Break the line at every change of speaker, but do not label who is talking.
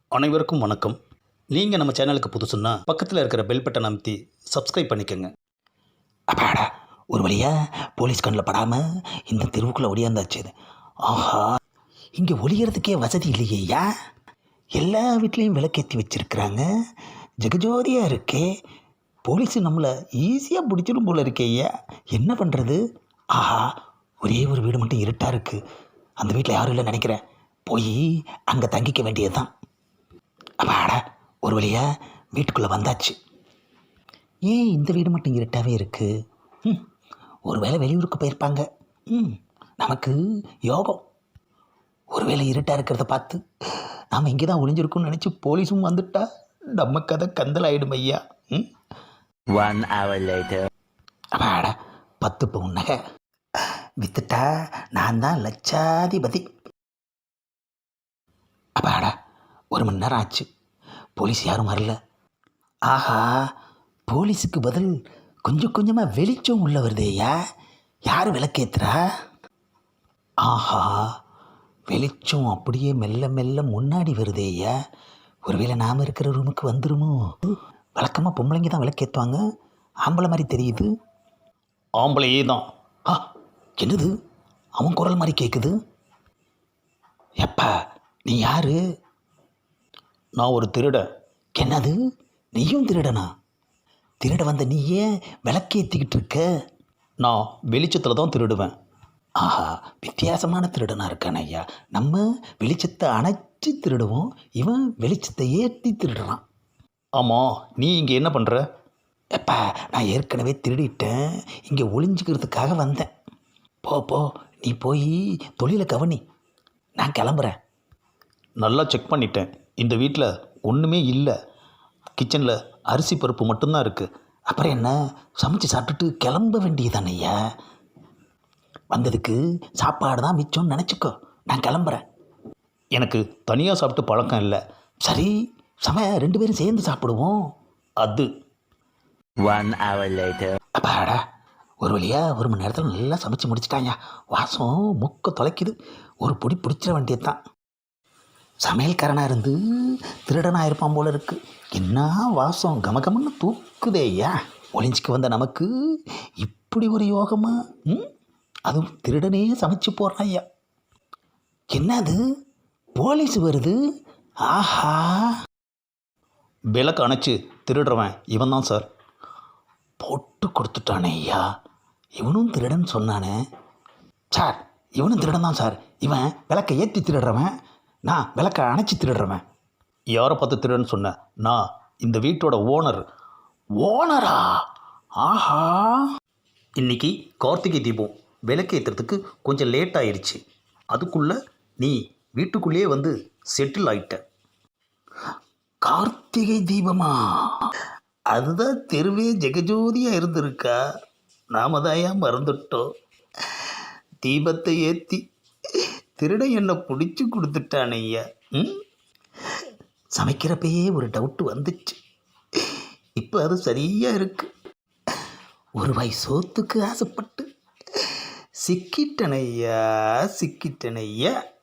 அனைவருக்கும் வணக்கம். நீங்கள் நம்ம சேனலுக்கு புதுசுன்னா பக்கத்தில் இருக்கிற பெல் பட்டன் அமைத்தி சப்ஸ்கிரைப் பண்ணிக்கோங்க.
அப்பாடா, ஒரு வழியா போலீஸ் கண்ணில் படாமல் இந்த தெருவுக்குள்ளே ஒடியாந்தாச்சு. ஆஹா, இங்கே ஒளியறதுக்கே வசதி இல்லையா? எல்லா வீட்லேயும் விளக்கேற்றி வச்சிருக்கிறாங்க. ஜெகஜோதியாக இருக்கே. போலீஸு நம்மளை ஈஸியாக பிடிச்சிடும் போல இருக்கேயா. என்ன பண்ணுறது? ஆஹா, ஒரே ஒரு வீடு மட்டும் இருட்டாக இருக்குது. அந்த வீட்டில் யாரும் இல்லை நினைக்கிறேன். போய் அங்கே தங்கிக்க வேண்டியது தான். அப்பாடா, ஒரு வழியா வீட்டுக்குள்ளே வந்தாச்சு. ஏன் இந்த வீடு மட்டும் இருட்டாகவே இருக்குது? ஒருவேளை வெளியூருக்கு போயிருப்பாங்க. நமக்கு யோகம். ஒருவேளை இருட்டாக இருக்கிறத பார்த்து நாம் இங்கே தான் ஒளிஞ்சிருக்கோம்னு நினச்சி போலீஸும் வந்துட்டா நம்ம கதை கந்தல் ஆகிடும் ஐயா.
1 hour later.
அப்பாடா, 10 பவுன் நகை வித்துட்டா நான் தான் லட்சாதிபதி. அப்பாடா, 1 மணி நேரம் ஆச்சு. போலீஸ் யாரும் வரல. ஆஹா, போலீஸுக்கு பதில் கொஞ்சம் கொஞ்சமாக வெளிச்சம் உள்ள வருதேயா. யார் விளக்கேத்துறா? ஆஹா, வெளிச்சம் அப்படியே மெல்ல மெல்ல முன்னாடி வருதேயா. ஒருவேளை நாம் இருக்கிற ரூமுக்கு வந்துருமோ? வழக்கமாக பொம்பளைங்க தான் விளக்கேற்றுவாங்க. ஆம்பளை மாதிரி தெரியுது.
ஆம்பளையே தான்.
ஆ, என்னது அவன் குரல் மாதிரி கேட்குது. எப்பா, நீ யாரு?
நான் ஒரு திருடன்.
என்னது, நீயும் திருடனா? திருட வந்த நீ ஏன் விளக்கேற்றிக்கிட்டு இருக்க?
நான் வெளிச்சத்தில் தான் திருடுவேன்.
ஆஹா, வித்தியாசமான திருடனாக இருக்கான ஐயா. நம்ம வெளிச்சத்தை அணைச்சி திருடுவோம், இவன் வெளிச்சத்தை ஏற்றி திருடுறான்.
ஆமாம், நீ இங்கே என்ன பண்ணுற?
எப்பா, நான் ஏற்கனவே திருடிட்டேன். இங்கே ஒளிஞ்சிக்கிறதுக்காக வந்தேன். போ, நீ போய் தொழிலை கவனி. நான் கிளம்புறேன்.
நல்லா செக் பண்ணிட்டேன். இந்த வீட்டில் ஒன்றுமே இல்லை. கிச்சனில் அரிசி பருப்பு மட்டும்தான் இருக்குது.
அப்புறம் என்ன, சமைச்சு சாப்பிட்டுட்டு கிளம்ப வேண்டியதானே ஐயா. வந்ததுக்கு சாப்பாடு தான் மிச்சம்னு நினச்சிக்கோ. நான் கிளம்புறேன்.
எனக்கு தனியாக சாப்பிட்டு பழக்கம் இல்லை.
சரி, 2 பேரும் சேர்ந்து சாப்பிடுவோம்.
அது
1 hour later.
அப்பாடா, ஒரு வழியா 1 மணி நேரத்தில் நல்லா சமைச்சு முடிச்சிட்டாங்க. வாசம் மூக்க தொலைக்குது. ஒரு பொடி பிடிச்சிட வேண்டியது தான். சமையல்காரனாக இருந்து திருடனாக இருப்பான் போல இருக்கு. என்ன வாசம் கமகமன்னு தூக்குதேயா. ஒளிஞ்சிக்கு வந்த நமக்கு இப்படி ஒரு யோகமா? அதுவும் திருடனே சமைச்சு போடுறான் ஐயா. என்னது, போலீஸ் வருது? ஆஹா,
விளக்கு அணைச்சி திருடுறவன் இவன் தான் சார்.
போட்டு கொடுத்துட்டானே ஐயா. இவனும் திருடன் சொன்னானே சார். இவனும் திருடன் தான் சார். இவன் விளக்கை ஏற்றி திருடுறவன், நான் விளக்கை அணைச்சி திருடுறவன்.
யாரை பார்த்து திருடன்னு சொன்னேன்? நான் இந்த வீட்டோட ஓனர்.
ஓனரா? ஆஹா,
இன்றைக்கி கார்த்திகை தீபம். விளக்கு ஏற்றுறதுக்கு கொஞ்சம் லேட் ஆயிடுச்சு. அதுக்குள்ளே நீ வீட்டுக்குள்ளேயே வந்து செட்டில் ஆயிட்ட.
கார்த்திகை தீபமா?
அதுதான் தெருவே ஜெகஜோதியாக இருந்திருக்கா. நாம தாயா மறந்துட்டோம். தீபத்தை ஏற்றி திருடன் என்னை பிடிச்சி கொடுத்துட்டான் ஐயா.
சமைக்கிறப்பயே ஒரு டவுட்டு வந்துச்சு. இப்போ அது சரியாக இருக்கு. ஒரு வாய் சோத்துக்கு ஆசைப்பட்டு சிக்கிட்டனையா.